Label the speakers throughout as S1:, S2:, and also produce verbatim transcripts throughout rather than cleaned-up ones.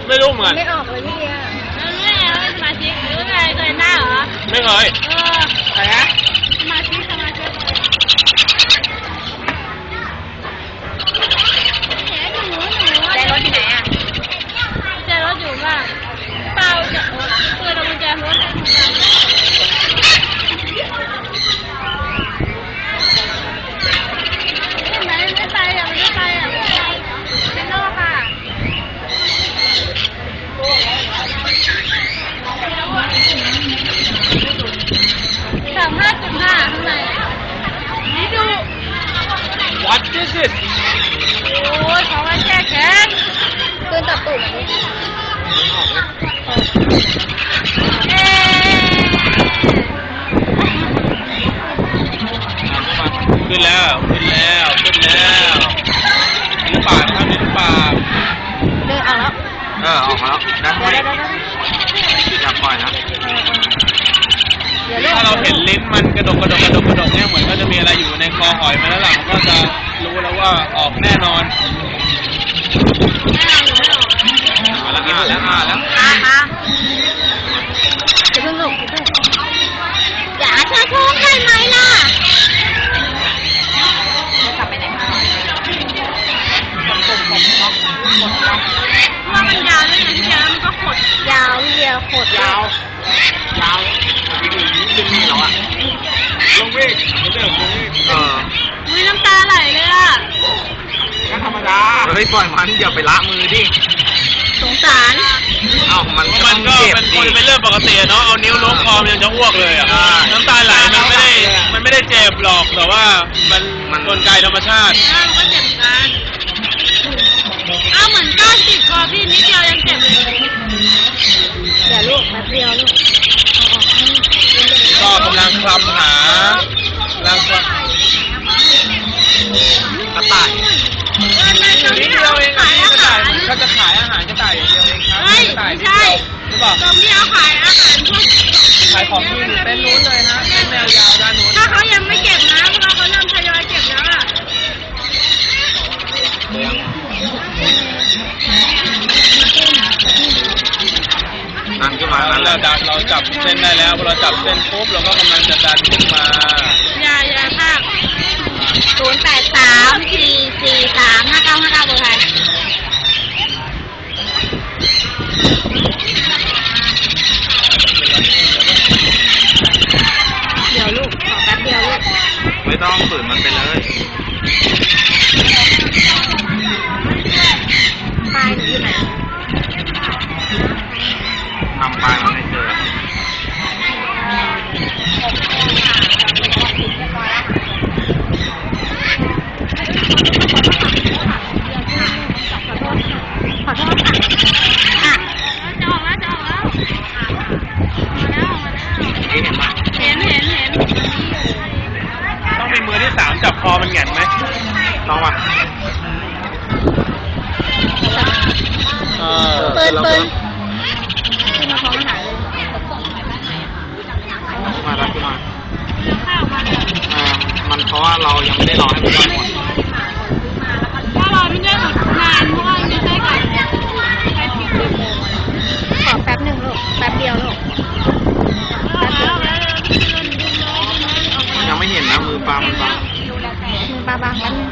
S1: ไม่รู้เหมือน
S2: ไม่ออกเลยพี่เดีย
S3: ไม่เอาสมาชิกหรือไงเคยหน้าเหรอ
S1: ไม่เคย
S3: เออ
S1: ใครนะ
S3: สมาชิกสมาชิก
S2: ใจรถที่ไหนอ่ะ
S3: ใจรถอยู่บ้านเปล่าจะเปิดกุญแจรถไม่ไม่ไปอ่ะไม่ไปอ่ะเป็นโลกค่ะสามห้าจุดห้าข้างในนี่ดู
S1: What is it
S3: โอ้ยเขาว่าแช่แข็ง
S2: ปืนตัดตุ่ม
S3: เอ๊
S1: ขึ้นแล้วขึ้นแล้วขึ้นแล้วนี่ปากครับนี่ปาก
S2: เดินออกแล้ว
S1: เออออกมาแล้วนะไม่อย่าปล่อยนะถ้าเราเห็นลิ้นมันกระดกกระดกกระดกกระดกเนี่ยเหมือนก็จะมีอะไรอยู่ในคอหอยมาแล้วหลังก็จะรู้แล้วว่าออกแน่นอนมาแล้วอ่าแล้วอ่าแล้ว
S2: อ่าอ่าจะเพิ่งลุกอย่าเธอท้องได้ไหมล่ะจะกลับไปไหนมา
S3: ว่ามันยาวด้วยไงพี่เดียวมันก็ขด
S2: ยาวพี่เดียวขด
S1: ยาวยาวดึงนี่เหรออ่ะลงวิ่งเรื่องลงวิ่งเออ
S3: มีน้ำตาไหลเลยอ่ะ
S1: ก็ธรรมดาเฮ้ยปล่อยมันอย่าไปละมือดิ
S2: สงสาร
S1: เอ้ามันมันก็เป็นคนเป็นเรื่องปกติเนาะเอานิ้วล้วงคอมันยังจะอ้วกเลยอ่ะน้ำตาไหลมันไม่ได้มันไม่ได้เจ็บหรอกแต่ว่ามันมันกลไกธรรมชาติ
S3: อ้าวก็เจ็บกันอ้าวเหมือนก้านติดคอพี่นิดเดียวยังเจ็บเลย
S2: อย่าลูกแป๊บเดียวลูก
S1: ก็กำลังคลำหาลังกระต่ายนิดเดียวเองกระต่ายเขาจะขายอาหารกระต่ายอย่างเดียวเองครับ
S3: กระต่ายไม่ใช่ตรงที่เขาขายอาหารพวก
S1: ขายของที่เป็นนู้นเลยฮะเป็นแนวยาวด้านนู้น
S3: ถ้าเขายังไม่เก็บนะเพราะเขาเริ่มทยอยเก็บแล้วอ่ะ
S1: ดันขึ้นมานั้นเราดันเราจับเส้นได้แล้วพอเราจับเส้นปุ๊บเราก็กำลังจะดันขึ้นมา
S3: อย่าอย่าภาค
S2: ศูนย์แปดสามสี่สี่สามห้าเก้าห้าเก้าเบอร์ใครเดี๋ยวลูกขอแป๊บเดียวลูก
S1: ไม่ต้องฝืนมันไปเลย
S2: ปลายหนูอยู่ไหน
S1: ทำปลายมันไม่เจอ
S2: ขอโทษค่ะ
S3: จะออกแล้วจะออกแล้วมาแล้วมาแล้ว
S1: เห็นไหม
S3: เห็นเห็นเห็น
S1: ต้องมีมือที่สามจับคอมันแหง่นไหมลองป่ะ
S2: เปิดเปิดขึ้นมาพร้อมอาหารเลย
S1: มาแล้วขึ้นมามันเพราะว่าเรายังไม่ได้รอให้มันย่อยหมด
S3: ถ้าเราไม่ได้หมดนานเพราะว่าไม่ใช่กัน
S2: ขอแป๊บหนึ่งลูกแป๊บเดียวลูก
S1: ยังไม่เห็นนะมือปลามันปลา
S2: มือปลาบางแป๊บนึง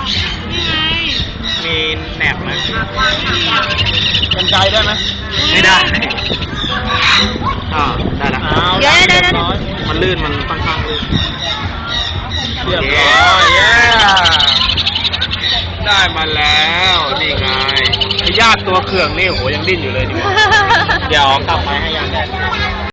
S1: มีแหนบไหมกันไกลได้ไหมไม่ได้อ่าได้แล้ว
S2: เดี๋ยวเดี๋ยวเดี๋ยว
S1: มันลื่นมันค่อนข้างลื่นเรียบร้อยเย้ได้มาแล้วนี่ไงญาติตัวเขื่องนี่โหยังดิ้นอยู่เลยนี่เดี๋ยวกลับมาให้ยาแดด